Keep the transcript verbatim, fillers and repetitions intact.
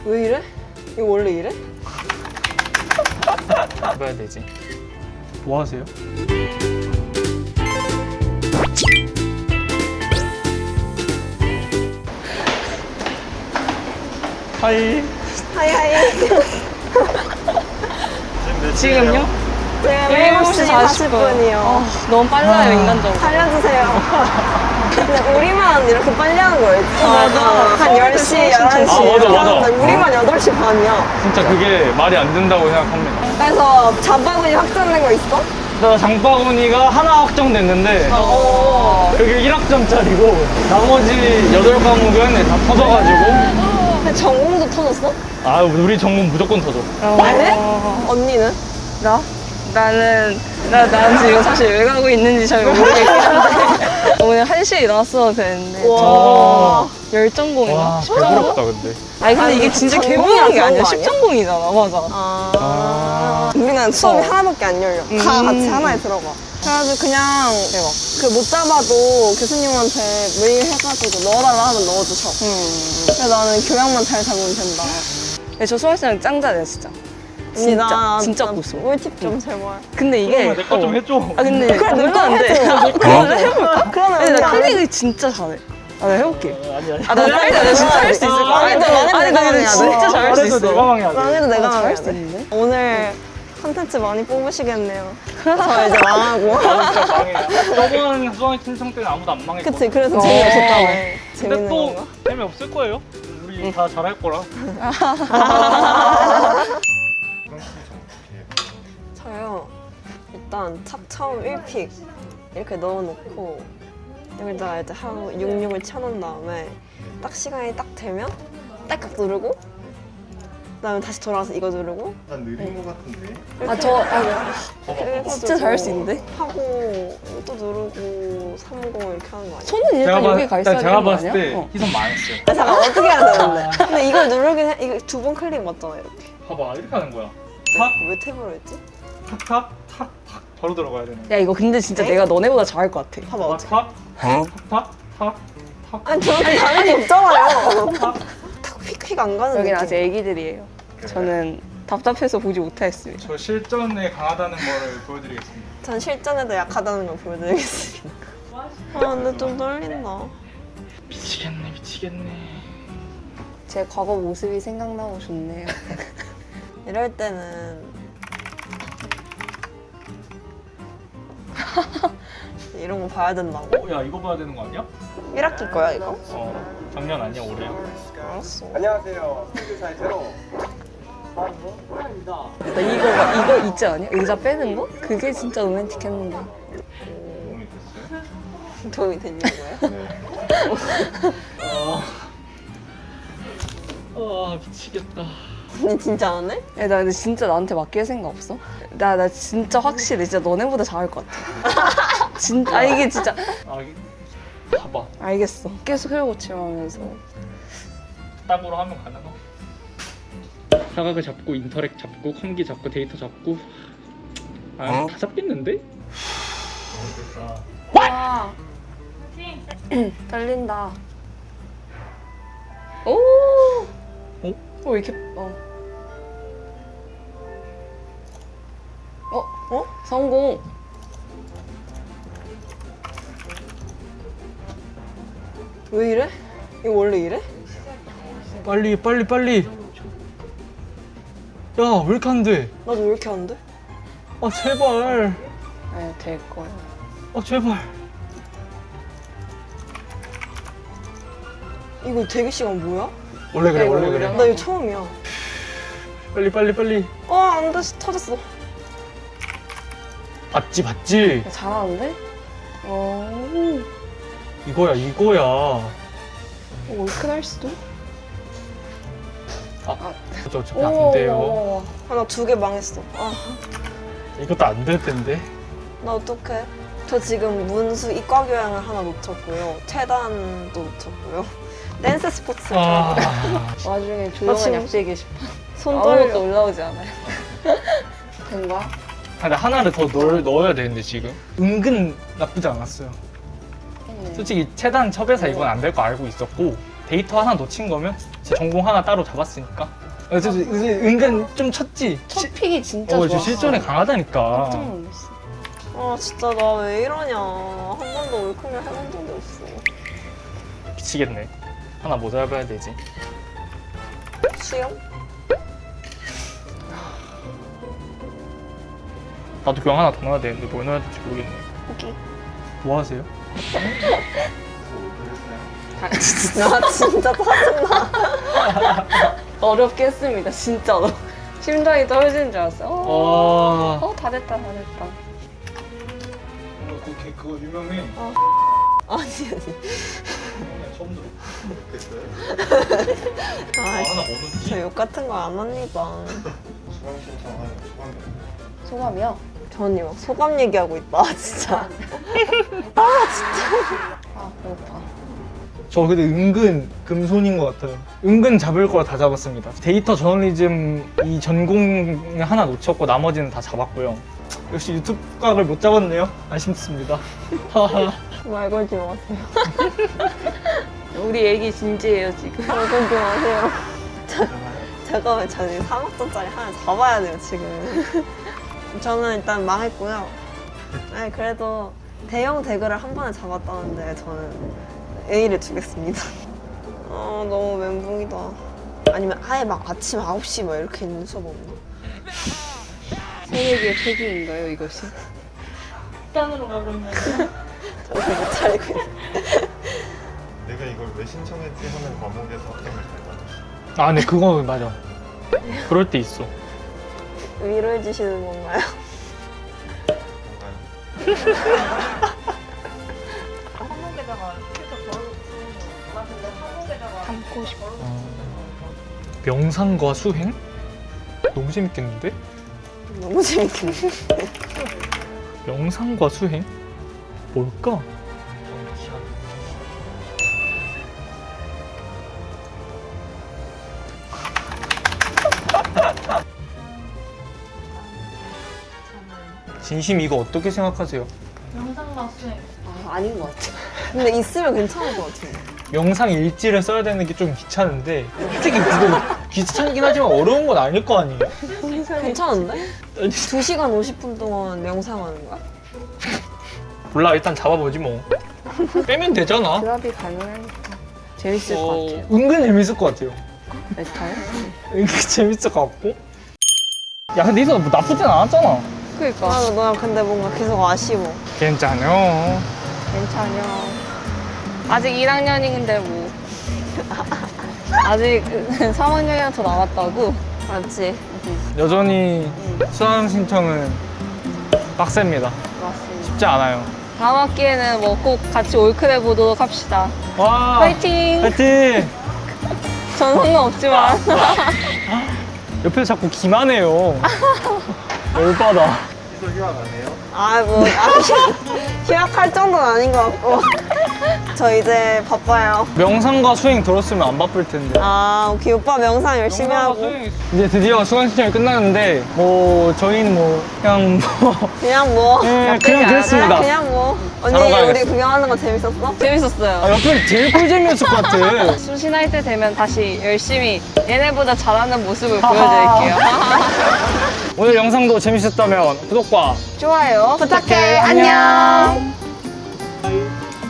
왜 이래? 이거 원래 이래? 뭐 해야 되지? 뭐 하세요? 하이. 하이하이. 지금요? 지금 일곱 시 사십 분이요. 어, 너무 빨라요, 인간적으로. 살려주세요. 근데 우리만 이렇게 빨리 하는 거였지? 맞아. 한 열 시, 열한 시. 아, 맞아, 맞아. 근데 우리만 여덟 시 반이야. 진짜 그게 말이 안 된다고 생각합니다. 그래서 잡바구니 확정된 거 있어? 나 장바구니가 하나 확정됐는데 어. 그게 일 학점짜리고 나머지 여덟 과목은 다 터져가지고. 근데 전공도 터졌어? 아, 우리 전공 무조건 터져. 네? 언니는? 나? 나는, 나, 난 지금 사실 왜 가고 있는지 잘 모르겠긴 한데. 오늘 한 시에 일어났어도 되는데. 와. 열전공인가? 와, 배부럽다, 근데. 아니, 근데 아니, 이게 진짜 전공이라 개보는 게 그런 아니야. 거 아니야? 십전공이잖아. 맞아. 아. 아. 우리는 수업이 어. 하나밖에 안 열려. 다 음. 같이 하나에 들어가. 그래가지고 그냥 대박. 그 못 잡아도 교수님한테 메일 해가지고 넣어달라 하면 넣어주셔. 음. 그래서 나는 교양만 잘 잡으면 된다. 근데 저 수학시장 짱 잘해요, 진짜. 진짜, 진짜 고수. 꿀팁 좀 제발. 근데 이게. 내 거 좀 어. 해줘. 아, 근데. 그래, 뭔가 안 돼. 해줘. 그래, 해볼까? 그러면 근데 나 우리 안 해. 클릭을 진짜 잘해. 아, 내가 해볼게. 아니, 아니. 아, 나 빨리 나 진짜 할 수 있을 것 같아. 아니, 너 망해도 아니, 나 내가 근데 해야 돼. 진짜 잘할 수 그래도 있어. 내가 망해야 돼. 망해도 내가 아, 잘할 망해야 수 돼. 있는데? 오늘 컨텐츠 많이 뽑으시겠네요. 저 이제 망하고. 진짜 망해. 저번 수학의 신청 때는 아무도 안 망했고. 그치, 그래서 어. 재미없었다고. 근데 재밌는 또 건가? 재미없을 거예요. 우리 다 잘할 거라. 저요. 일단 첫 처음 일 픽 이렇게 넣어놓고 여기다가 이제 하고 육십육을 쳐놓은 다음에 딱 시간이 딱 되면 딸깍 누르고 그다음에 다시 돌아와서 이거 누르고 난 느린 거 같은데. 아, 저, 아, 그래가지고 진짜 잘할 수 있는데? 하고 또 누르고 삼십 이렇게 하는 거 아니야? 손은 일단 여기 가 있어야 제가 되는 거 봤을 아니야? 때 어. 희선 망했어요. 아, 잠깐 어떻게 해야 되는데? 근데 이걸 누르긴 해. 이거 두 번 클릭 맞잖아 이렇게. 봐봐, 이렇게 하는 거야. 왜 탭으로 했지? 탁, 탁, 탁, 탁. 바로 들어가야 되는 거야. 야, 이거 근데 진짜 네? 내가 너네보다 잘할 것 같아. 봐봐 어떻게? 탁, 탁, 탁, 탁, 탁. 아니 저렇게 다른 게 없잖아요. 탁 휙휙 안 가는 여긴 느낌. 아직 애기들이에요. 저는 답답해서 보지 못하겠습니다. 저 실전에 강하다는 거를 보여드리겠습니다. 전 실전에도 약하다는 걸 보여드리겠습니다. 아 근데 좀 떨린다. 미치겠네, 미치겠네. 제 과거 모습이 생각나고 좋네요. 이럴 때는 이런 거 봐야 된다고? 어, 야, 이거 봐야 되는 거 아니야? 일 학기 거야 이거? 어, 작년 아니야, 올해야. 알았어. 안녕하세요. 승규사의 제로. 나 이거 이거 있지 않냐? 의자 빼는 거? 그게 진짜 로맨틱했는데. 도움이 됐어요? 도움이 됐냐고요? 네. 아, 아, 미치겠다. 언니 진짜 안 해? 야, 나 근데 진짜 나한테 맡길 생각 없어? 나 나 진짜 확실해. 진짜 너네보다 잘할 것 같아. 진짜 아 이게 진짜 아, 이게 봐봐. 알겠어. 계속 해고치면서 딱으로 하면 가능하? 사각을 잡고 인터랙 잡고 컴기 잡고 데이터 잡고 아, 다 잡겠는데? 와 떨린다. 오. 어? 어 이렇게 어. 어? 어? 성공. 왜 이래? 이거 원래 이래? 빨리 빨리 빨리. 야, 왜 이렇게 안 돼? 나도 왜 이렇게 안 돼? 아, 제발. 네, 될 거야. 아, 제발. 이거 대기 시간 뭐야? 원래 그래, 이거 원래 오히려 그래. 나 이거 처음이야. 빨리 빨리 빨리. 어, 안 돼. 터졌어. 봤지 봤지. 야, 잘하는데? 어. 이거야 이거야. 올큰 할 수도? 아, 저 어차피 안 돼요. 아, 나 두 개 망했어. 아, 이것도 안 될 텐데. 나 어떡해? 저 지금 문수 이과 교양을 하나 놓쳤고요. 체단도 놓쳤고요. 댄스 스포츠. 아, 나중에 나 조용한 지금 약제 게시판 손 아무것도 떨려. 올라오지 않아요. 된 거야? 근데 하나를 더 넣, 넣어야 되는데 지금 은근 나쁘지 않았어요. 했네. 솔직히 체단 첩에서 이건 안 될 거 알고 있었고 데이터 하나 놓친 거면 제 전공 하나 따로 잡았으니까. 그래서 은근 좀 쳤지. 첫 픽이 진짜 어, 좋아. 저 실전에 강하다니까. 깜짝 놀랐어. 아 진짜 나 왜 이러냐. 한 번도 올콩을 해본 적이 없어. 미치겠네. 하나 뭐 잡아야 되지? 수영? 나도 교양 하나 더 넣어야 되는데 뭘 넣어야 될지 모르겠네. 오케이. 뭐 하세요? 나 진짜 짜증나. 어렵게 했습니다, 진짜로. 심장이 떨어지는 줄 알았어. 어, 어... 어, 다 됐다, 다 됐다. 그, 그거 유명해. 아니 아니. 처음 들어. 아, 하나 뭐 넣지? 저 욕 같은 거 안 합니다. 수강 신청하는 수강. 소감이요? 전이 막 소감 얘기하고 있다 진짜. 아, 배고파. 저 근데 은근 금손인 것 같아요. 은근 잡을 거 다 잡았습니다. 데이터 저널리즘 이 전공 하나 놓쳤고 나머지는 다 잡았고요. 역시 유튜브 각을 못 잡았네요. 아쉽습니다. 하하. 말 걸지 마세요. 우리 애기 진지해요, 지금. 말 걸지 마세요. 자, 잠깐만 저는 삼 억짜리 하나 잡아야 돼요 지금. 저는 일단 망했고요. 아니 그래도 대형 대그를 한 번에 잡았다는데 저는 A를 주겠습니다. 아 너무 멘붕이다. 아니면 아예 막 아침 아홉 시 막 이렇게 있는 수업 없나? 새내기의 폐기인가요, 이것이? 식단으로 가버리면 정신 못 차리고 있네. 내가 이걸 왜 신청했지 하는 과목에서 학점을 잘 받았어. 아, 네, 그거 맞아. 그럴 때 있어. 위로해 주시는 건가요? 뭔가요? 담고 싶어. 명상과 수행? 너무 재밌겠는데? 너무 재밌겠네. 명상과 수행? 뭘까? 진심 이거 어떻게 생각하세요? 아, 아닌 것 같아. 근데 있으면 괜찮을 것 같은데. 명상 일지를 써야 되는 게 좀 귀찮은데 솔직히 그거 귀찮긴 하지만 어려운 건 아닐 거 아니에요? 괜찮은데? 두 시간 오십 분 동안 명상하는 거야? 몰라, 일단 잡아보지 뭐. 빼면 되잖아. 드랍이 가능하니까. 재밌을 어, 것 같아요. 은근 재밌을 것 같아요. 메타요? 은근 재밌을 것 같고. 야, 근데 이거 뭐 나쁘진 않았잖아. 그니까. 아, 나 근데 뭔가 계속 아쉬워. 괜찮요. 괜찮요. 아직 일 학년인데 뭐. 아직 삼 학년이나 더 남았다고? 맞지? 여전히 수강 신청은 빡셉니다. 맞습니다. 쉽지 않아요. 다음 학기에는 뭐 꼭 같이 올크해 보도록 합시다. 와! 화이팅! 화이팅! 전 상관없지만. 옆에서 자꾸 기만해요. 열받아. 이도 휴학 안 해요? 아, 뭐, 아, 휴학할 정도는 아닌 것 같고. 저 이제 바빠요. 명상과 수행 들었으면 안 바쁠 텐데. 아, 오케이. 오빠 명상 열심히 하고. 이제 드디어 수강 신청이 끝났는데 뭐 저희는 뭐 그냥 뭐 그냥 뭐. 네, 그냥 그랬습니다. 그냥 뭐. 언니, 자러 가야겠어. 우리 구경하는 거 재밌었어? 재밌었어요. 아, 옆에 제일 꿀잼이었을 것 같아. 수신할 때 되면 다시 열심히 얘네보다 잘하는 모습을 보여드릴게요. 오늘 영상도 재밌었다면 구독과 좋아요. 부탁해. 안녕.